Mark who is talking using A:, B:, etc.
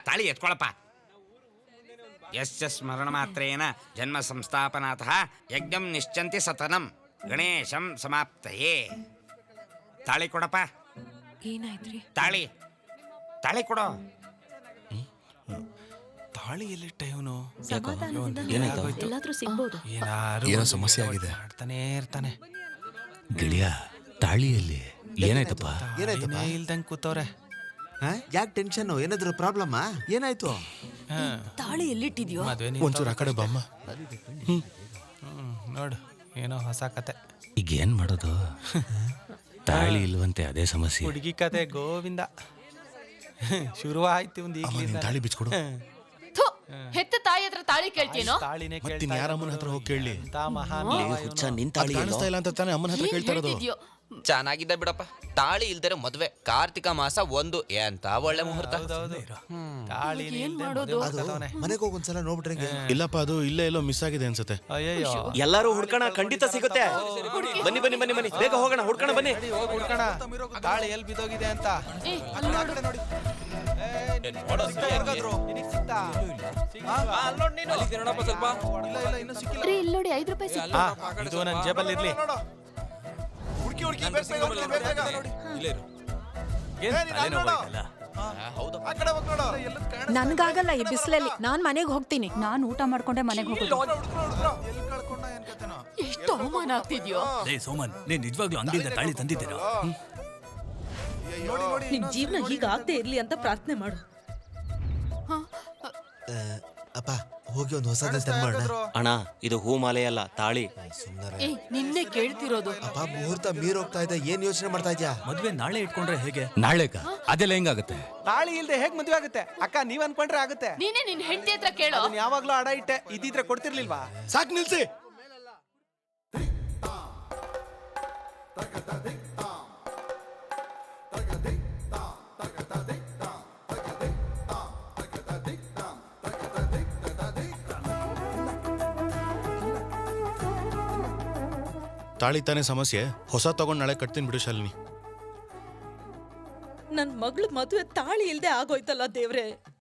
A: ತಾಳಿ ಎತ್ಕೊಳಪ್ಪ. ಯಸ್ಯ ಸ್ಮರಣ ಮಾತ್ರೇನ ಜನ್ಮ ಸಂಸ್ಥಾಪನಾತಃ ಯಜ್ಞಂ ನಿಶ್ಚಂತಿ ಸತನಂ ಗಣೇಶಂ ಸಮಾಪ್ತಯೇ. ತಾಳಿ ಕೊಡಪ್ಪ.
B: ಏನಾಯ್ತ್ರಿ?
A: ತಾಳಿ ತಾಳಿ ಕೊಡೋ.
C: ತಾಳಿ ಎಲ್ಲಿಟ್ಟ ಇವನು?
B: ಸಮಾಧಾನದಿಂದ ಎಲ್ಲಾದ್ರೂ ಸಿಗ್ಬೋದು.
C: ಏನೋ ಸಮಸ್ಯೆ ಆಗಿದೆ. ಮಾಡ್ತಾನೆ ಇರ್ತಾನೆ.
D: ಗಿಳಿಯ ತಾಳಿಯಲ್ಲಿ ಏನಾಯ್ತಪ್ಪ?
C: ಏನಾಯ್ತಪ್ಪ? ಇಲ್ದಂಗೆ ಕೂತವ್ರೆ.
E: ಯಾಕೆ ಟೆನ್ಷನ್? ಏನಾದ್ರು ಪ್ರಾಬ್ಲಮ್? ಏನಾಯ್ತು?
B: ತಾಳಿ ಎಲ್ಲಿಟ್ಟಿದ್ಯೋ?
C: ಒಂಚೂರು ಆ ಕಡೆ ಬಮ್ಮ. ನೋಡು ಏನೋ ಹೊಸ ಕತೆ.
D: ಈಗ ಏನ್ ಮಾಡೋದು? ತಾಳಿ ಇಲ್ವಂತೆ, ಅದೇ ಸಮಸ್ಯೆ.
C: ಹುಡುಗಿ ಕತೆ ಗೋವಿಂದ ಶುರುವಾಯ್ತು. ಒಂದು
D: ತಾಳಿ ಬಿಚ್ಕೊಡು.
F: ಹೆತ್ತ ತಾಯಿ ಹತ್ರ ತಾಳಿ ಕೇಳ್ತೀನೋ?
C: ತಾಳಿನೇ
D: ಮತ್ತಿನ್ ಯಾರ ಅಮ್ಮನ ಹತ್ರ ಹೋಗಿ ಕೇಳಲಿ?
C: ಮಹಾನ್
D: ಕಾಣಿಸ್ತಾ ಇಲ್ಲ ಅಂತ ತಾನೇ ಅಮ್ಮನ ಹತ್ರ ಕೇಳ್ತಾ ಇರೋದು.
G: ಚೆನ್ನಾಗಿದ್ದ ಬಿಡಪ್ಪ. ತಾಳಿ ಇಲ್ದರೆ ಮದ್ವೆ. ಕಾರ್ತಿಕ ಮಾಸ 1 ಎಂತ ಒಳ್ಳೆ ಮುಹೂರ್ತ.
C: ತಾಳಿ
E: ಮನೆಗೆ ಹೋಗಿ ಒಂದ್ಸಲ ನೋಡ್ಬಿಟ್ರೆ.
D: ಇಲ್ಲಪ್ಪ, ಅದು ಇಲ್ಲೇ ಎಲ್ಲೋ ಮಿಸ್ ಆಗಿದೆ ಅನ್ಸುತ್ತೆ.
C: ಅಯ್ಯಯ್ಯೋ,
H: ಎಲ್ಲರೂ ಹುಡ್ಕೋಣ, ಖಂಡಿತ ಸಿಗುತ್ತೆ. ಬನ್ನಿ ಬನ್ನಿ ಬನ್ನಿ ಬನ್ನಿ, ಬೇಗ ಹೋಗೋಣ, ಹುಡ್ಕೋಣ ಬನ್ನಿ.
C: ಹೋಗಿ ಹುಡ್ಕೋಣ. ತಾಳಿ ಎಲ್ಲಿ ಬಿದ್ದೋಗಿದೆ ಅಂತ.
F: ಇಲ್ಲಿ ನೋಡಿ 5 ರೂಪಾಯಿ ಸಿಕ್ತು.
C: ಇದು ನನ್ನ ಜೇಬಲ್ಲಿ ಇರ್ಲಿ.
B: ನನ್ಗಾಗಲ್ಲ ಈ ಬಿಸಿಲಲ್ಲಿ. ನಾನ್ ಮನೆಗೆ ಹೋಗ್ತೀನಿ.
F: ನಾನು ಊಟ ಮಾಡ್ಕೊಂಡೆ ಮನೆಗೆ ಹೋಗೋದು. ಎಷ್ಟು ಅವಮಾನ ಆಗ್ತಿದ್ಯೋ.
D: ಸೋಮನ್, ನೀನ್ ನಿಜವಾಗ್ಲೂ ಅಂಗಡಿಯಿಂದ ತಾಳಿ ತಂದಿದ್ದೀರಾ?
B: ನಿನ್ ಜೀವನ ಹೀಗಾಗದೆ ಇರ್ಲಿ ಅಂತ ಪ್ರಾರ್ಥನೆ ಮಾಡು.
E: ಅಪ್ಪ, ಹೋಗಿ ಒಂದು ಹೊಸ ಡ್ರೆಸ್ ತಂದ್ಮಾಡೋಣ.
H: ಅಣ್ಣ, ಇದು ಹೂ ಮಾಲೆ ಅಲ್ಲ, ತಾಳಿ.
F: ನಿನ್ನೆ ಕೇಳ್ತಿರೋದು.
E: ಅಪ್ಪ, ಮುಹೂರ್ತ ಮೀರ್ ಹೋಗ್ತಾ ಇದೆ. ಏನ್ ಯೋಚನೆ ಮಾಡ್ತಾ ಇದ್ಯಾ?
D: ಮದ್ವೆ ನಾಳೆ ಇಟ್ಕೊಂಡ್ರೆ ಹೇಗೆ? ನಾಳೆಗ ಅದೆಲ್ಲ ಹೆಂಗಾಗುತ್ತೆ?
C: ತಾಳಿ ಇಲ್ದೆ ಹೇಗ್ ಮದ್ವೆ ಆಗುತ್ತೆ? ಅಕ್ಕ, ನೀವ್ ಅನ್ಕೊಂಡ್ರೆ ಆಗುತ್ತೆ.
F: ನೀನೇ ನಿನ್ ಹೆಂಡತಿ ಹತ್ರ ಕೇಳೋ.
C: ಯಾವಾಗ್ಲೂ ಅಡ ಇಟ್ಟೆ, ಇದ್ದಿದ್ರೆ ಕೊಡ್ತಿರ್ಲಿಲ್ವಾ?
D: ಸಾಕ್ ನಿಲ್ಸಿ. ತಾಳಿ ತಾನೇ ಸಮಸ್ಯೆ. ಹೊಸ ತಗೊಂಡ್ ನಾಳೆ ಕಟ್ತೀನಿ ಬಿಡು ಶಾಲಿನಿ.
B: ನನ್ ಮಗಳು ಮದುವೆ ತಾಳಿ ಇಲ್ದೆ ಆಗೋಯ್ತಲ್ಲ ದೇವ್ರೆ.